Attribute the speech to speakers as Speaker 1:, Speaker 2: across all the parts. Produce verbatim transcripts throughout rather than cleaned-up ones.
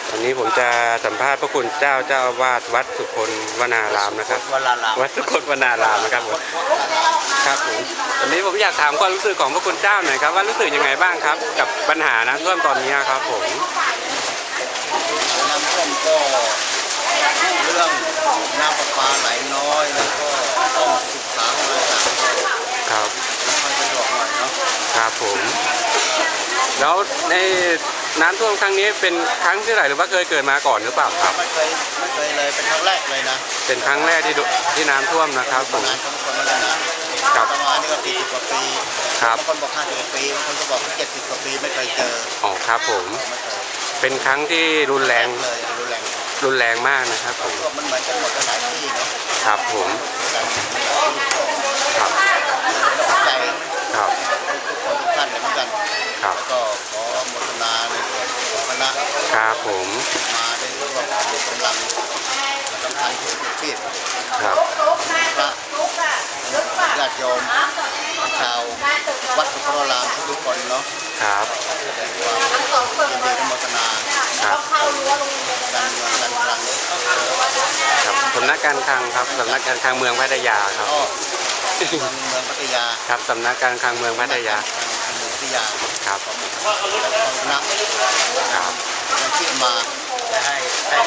Speaker 1: วันนี้ผมจะสัมภาษณ์พระคุณเจ้าเจ้าอาวาสวัดสุคนวนารามนะครับวัดสุคนวนารามนะครับผมครับผมวันนี้ผมอยากถามความรู้สึกของพระคุณเจ้าหน่อยครับว่ารู้สึกยังไงบ้างครับกับปัญหาน้ำท่วมตอนนี้ครับผม
Speaker 2: น้ำท่วมก็เรื่องน้ำประปาไหลน้อยแล้วก็ต้องศึกษาอะไรต่างๆ
Speaker 1: ครับ
Speaker 2: ค่อยสะดวกหน่อยเนาะ
Speaker 1: ครับผมแล้วในน้ำท่วมครั้งนี้เป็นครั้งที่เท่าไหร่หรือว่าเคยเกิดมาก่อนหรือเปล่าครับ
Speaker 2: ไม่เคยไม่เคยเลยเป็นครั้งแรกเลยนะ
Speaker 1: เป็นครั้งแรกที่ที่น้ำท่วมนะครับผม
Speaker 2: งานของคนมาแล้วนะครับประมาณนี้ก็สี่สิบกว่าปี
Speaker 1: ครับ
Speaker 2: บางคนบอกห้าสิบปีบางคนก็บอกเจ็ดสิบกว่าปีไม่เคยเจอ
Speaker 1: อ๋อครับผมเป็นครั้งที่รุนแรง
Speaker 2: เลยรุนแรง
Speaker 1: รุนแรงมากนะครับผม
Speaker 2: มันเหมือนกันหมดหลายที่เนาะ
Speaker 1: ครับผมครับ
Speaker 2: ใจ
Speaker 1: ครับ
Speaker 2: ทุกคนทุกท่านเหมือนกัน
Speaker 1: ครับ
Speaker 2: ก็ขอโมทนาในส่วนของคณะ
Speaker 1: ครับผม
Speaker 2: มาได้ร่วมกำลังสำคัญของชีพ
Speaker 1: ครับ
Speaker 2: พระญาติโยมชาววัดสุโขทัยทุกคนเนาะ
Speaker 1: ครับ
Speaker 2: แสดงความยินดีโมทนา
Speaker 1: ครับ
Speaker 2: การเงินการคลัง
Speaker 1: ครับสำนักการคลังครับสำนักการคลังเมืองพัทยาครับ
Speaker 2: เมืองพัทยา
Speaker 1: ครับสำนักการคลังเมืองพัทยา
Speaker 2: พัทยา
Speaker 1: ครับ
Speaker 2: นะครับยังที่มาให้ให้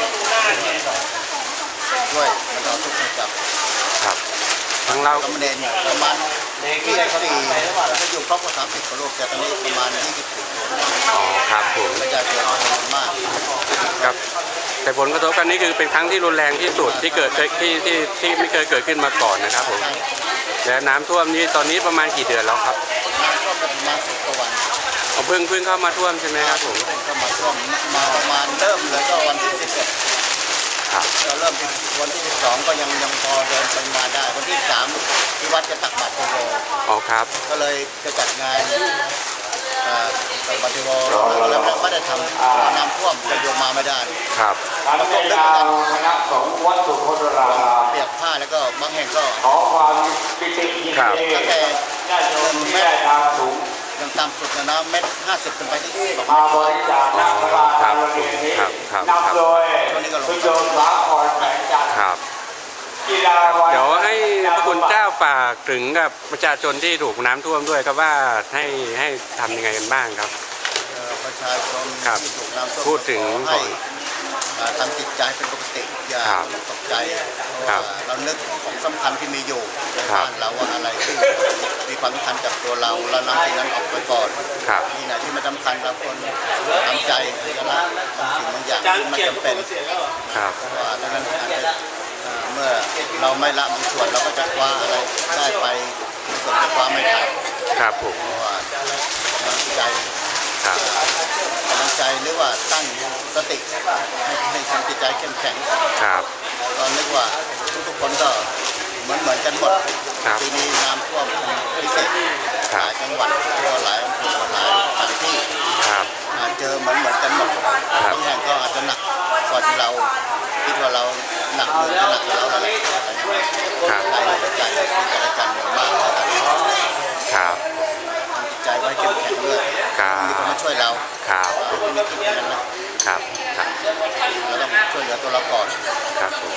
Speaker 2: ด้วยแล้วก็ทุกคนกับ
Speaker 1: ครับทั้งเรา
Speaker 2: กำเนิดเนี่ยประมาณยี่สิบสี่จะอยู่ครบกว่าสามสิบกว่าโลกแต่ตอนนี้ประมาณยี่สิบสี่
Speaker 1: อ๋อครับผม
Speaker 2: ระยะเกิดมาก
Speaker 1: ครับแต่ผลกระทบกันนี้คือเป็นครั้งที่รุนแรงที่สุดที่เกิดที่ที่ที่ไม่เคยเกิดขึ้นมาก่อนนะครับผมแล้วน้ำท่วมนี้ตอนนี้ประมาณกี่เดือนแล้วครับ
Speaker 2: น้ำท่วมประมาณสิบกว่าวัน
Speaker 1: เพิ่งเพิ่งเข้ามาท่วมใช่ไหมครับผม
Speaker 2: เข้ามาท่วมมาประมาณเริ่มเลยก็วันที่สิบเอ็ด
Speaker 1: ครับ
Speaker 2: เราเริ่มวันที่สิบสองก็ยังยังพอเดินไปมาได้วันที่สามที่วัดจะตักบาตรโพ
Speaker 1: อ๋อครับ
Speaker 2: ก็เลยจะจัดงานตักบาตรโพแล้วไม่ได้ทำน้ำท่วมจะโยมมาไม่ได้
Speaker 1: ครับ
Speaker 2: การเล่นการคณะของวัดสุโขทัยเปียกผ้าแล้วก็บางแห่งก็
Speaker 1: ขอความปิติยินดี
Speaker 2: ตั้งแต่เม็ดยังต่ำสุดนะเม็ดห้าสิบขึ้นไปที่สองมาบริจาค
Speaker 1: ครับครับครับครับ
Speaker 2: ช่วงนี้ก็ลง
Speaker 1: ครับเดี๋ยวให้พระคุณเจ้าฝากถึงกับประชาชนที่ถูกน้ำท่วมด้วยครับว่าให้ให้ทำยังไงกันบ้างครับ
Speaker 2: ประชาชนที่ถูกน้ำท่วม
Speaker 1: พูดถึง
Speaker 2: ให้ทำจิตใจเป็นปกติอย่าตกใจเพราะว่าเรานึกของสำคัญที่มีอยู่ในบ้านเราว่าอะไรที่มีความสำคัญกับตัวเราเรานำสิ่งนั้นออกไปก่อนนี่นะที่ไม่สำคัญเราควรทำใจจะละบางสิ่งบางอย่างที่ไม่จำเป็นว่าดังนั้นเมื่อเราไม่ละบางส่วนเราก็จะคว้าอะไรได้ไปส่วนจะคว้าไม่ทัน
Speaker 1: ครับผม
Speaker 2: ว่ากำลังใจกำลังใจหรือว่าตั้งสติให้ทำจิตใจเข้มแข็ง
Speaker 1: ครับ
Speaker 2: ตอนนึกว่าทุกๆคนก็เหมือนเหมือนกันหมดปีนี้น้ำท่วมพิเศษหลายจังหวัดทั่วหลายอำเภอหลายสถานที่เจอเหมือนเหมือนกันหมดบางแห่งก็อาจจะหนักกว่าที่เราคิดว่าเราหนักหรือหนักเราอะไรใจใจซึ่งกันและกันมาก
Speaker 1: ครับ
Speaker 2: ใจไว้เข้มแข็งด้วยมีคนมาช่วยเรา
Speaker 1: ครับ
Speaker 2: ที่นี่คิดอย่างนั้นนะครับ
Speaker 1: ครับ
Speaker 2: เราต้องช่วยเหลือตัวเราก่อน
Speaker 1: ครับผม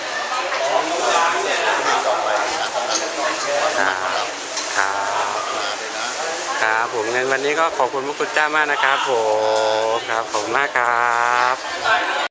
Speaker 2: ต่อไปตามกำลังของเรา
Speaker 1: ครับครับผมงั้นวันนี้ก็ขอบคุณพระคุณเจ้ามากนะครับผมครับขอบคุณมากครับ